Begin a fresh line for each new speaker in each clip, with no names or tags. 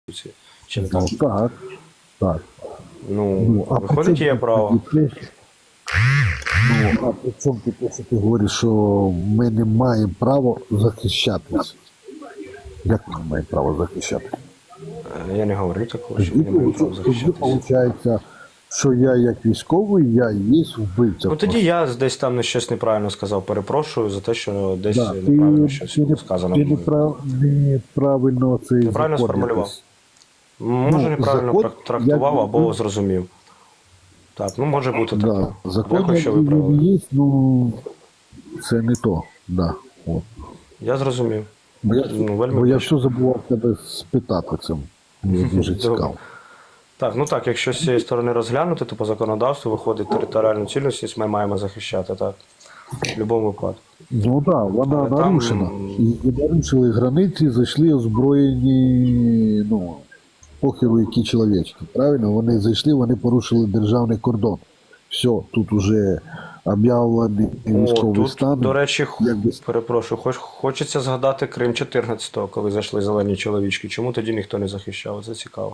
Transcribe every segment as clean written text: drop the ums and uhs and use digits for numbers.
Чи не так?
Ну, так, так.
Ну,
а
виходить, є право.
А при чому ти, що ти говориш, що ми не маємо права захищатися? Як ми маємо право захищатися?
Я не говорю такого, що не маю права
Тоді
захищатися.
виходить, що я як військовий, я є вбивця.
Ну тоді я десь там щось неправильно сказав, перепрошую за те, що десь
Да,
неправильно щось
ти
сказано.
Ти неправильно це
Неправильно
закон
сформулював.
якось.
Може неправильно
закон,
трактував
як-
або зрозумів. Так, ну може бути таке.
Да, закон
Дякую, що
як він
виправили.
є, ну це не то. Да, от.
Я зрозумів.
Бо я,
Ну, вельми
бо я
точно.
все забував тебе спитати це. Мені дуже
Добре.
цікаво.
Так, ну так, якщо з цієї сторони розглянути, то по законодавству виходить територіальну цілісність, ми маємо захищати, так. В будь-якому випадку.
Ну так, да, вона
Але там-
нарушена. І нарушили границі, зайшли озброєні, ну, похеру які чоловічки. Правильно? Вони зайшли, вони порушили державний кордон. Все, тут уже об'явлений військовий
Тут,
стан.
до речі,
якби-
перепрошую, хочеться згадати Крим 14-го, коли зайшли зелені чоловічки. Чому тоді ніхто не захищав? Це цікаво.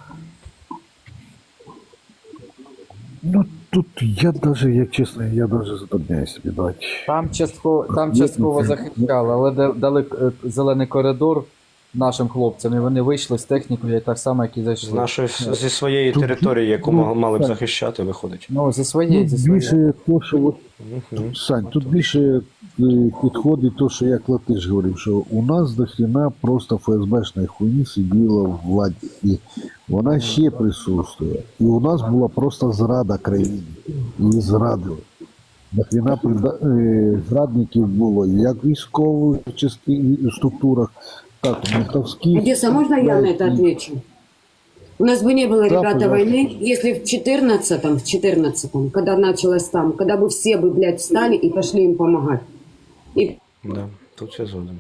Ну тут я даже, як чесно, я даже затрудняюсь собі дати.
Там частково захищали, але дали зелений коридор нашим хлопцям, і вони вийшли з технікою, так само, як і
З
зайшли.
нашої, зі своєї території, яку мали б захищати, виходить.
Ну, зі своєї,
Тут
зі своєї.
більше то, що от,
Мгм.
Сань, тут більше підходить то, що як Латиш говорив, що у нас до хрена просто ФСБшної хуйні сиділа в владі. І вона ще присутствує. І у нас була просто зрада країни. Її зрадили. До хрена зрадників було як в військових структурах, так і в ментовських.
Одесса, можно я на это отвечу? У нас бы не было,
Да,
ребята,
пожалуйста.
войны, если в 14-м, когда началось там, когда бы все бы, блядь, встали и пошли им помогать. И
Да, тут все згоден.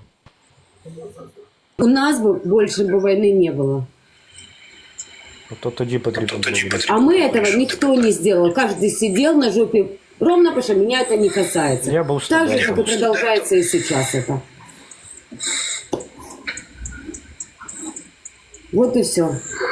у нас бы больше бы войны не было.
То тоді потрібно було.
А мы этого никто не сделал. Каждый сидел на жопе, ровно потому что меня это не касается.
Я был
Так же,
студентом.
как и продолжается и сейчас это. Вот и все.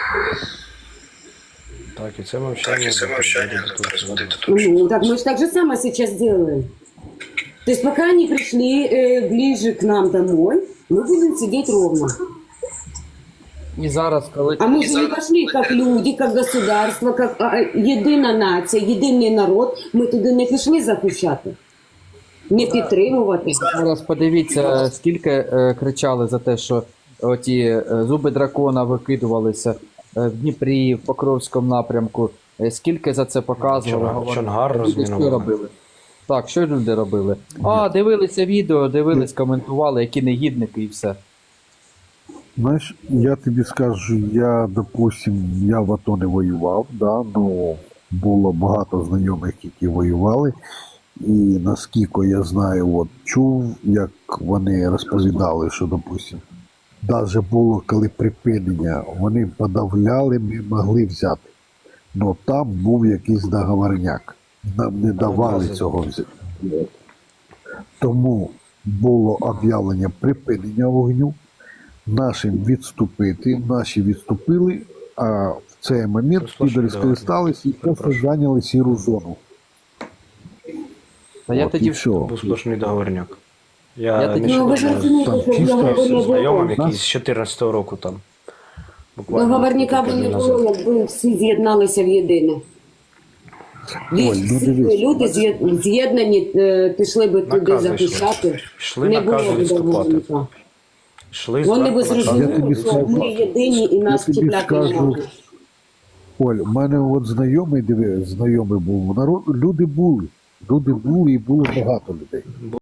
Так, і це мовчання.
Ну, так мы же так же самое сейчас делаем. То есть пока они пришли ближе к нам домой, мы будем сидеть ровно.
І зараз, коли
А мы же не пошли как люди, как государство, как єдина нація, єдиний народ. Ми туди не пішли захищати, не підтримувати.
зараз подивіться, скільки кричали за те, що оті зуби дракона викидувалися в Дніпрі, в Покровському напрямку. Скільки за це показували, говорили.
Чонгар
Люди що
розмінували.
робили? Так, що люди робили? А, дивилися відео, дивились, коментували, які негідники і все.
Знаєш, я тобі скажу, я, допустим, я в АТО не воював, да, ну, було багато знайомих, які воювали, і наскільки я знаю, от, чув, як вони розповідали, що, допустим, навіть було, коли припинення, вони подавляли, ми могли взяти. Но там був якийсь договорняк. Нам не давали цього взяти. Тому було об'явлення припинення вогню, нашим відступити, наші відступили, а в цей момент підори скористалися і просто зайняли сіру зону.
Та я
От,
тоді
і все.
Був сплошний договорняк.
Я
Я
тоді-
Ну ви ж
нещодавно
розумієте, що
чисто
договору не
знайомим,
було.
який з 14-го року там. Буквально
Договорника би не
тиждень
було,
назад.
якби всі з'єдналися в єдине.
Ой, ну
Всі
дивись.
люди з'єднані, пішли би туди
Накази
захищати.
Йшли
Не
накази
було б
відступати.
договорника.
Йшли
Вони би
зверху накази.
Я тобі
зрозуміли, що
скажу-
ми єдині і нас
тобі
чіпляти не
скажу,
можуть.
Оль, у мене от знайомий, знайомий був, люди були і було багато людей.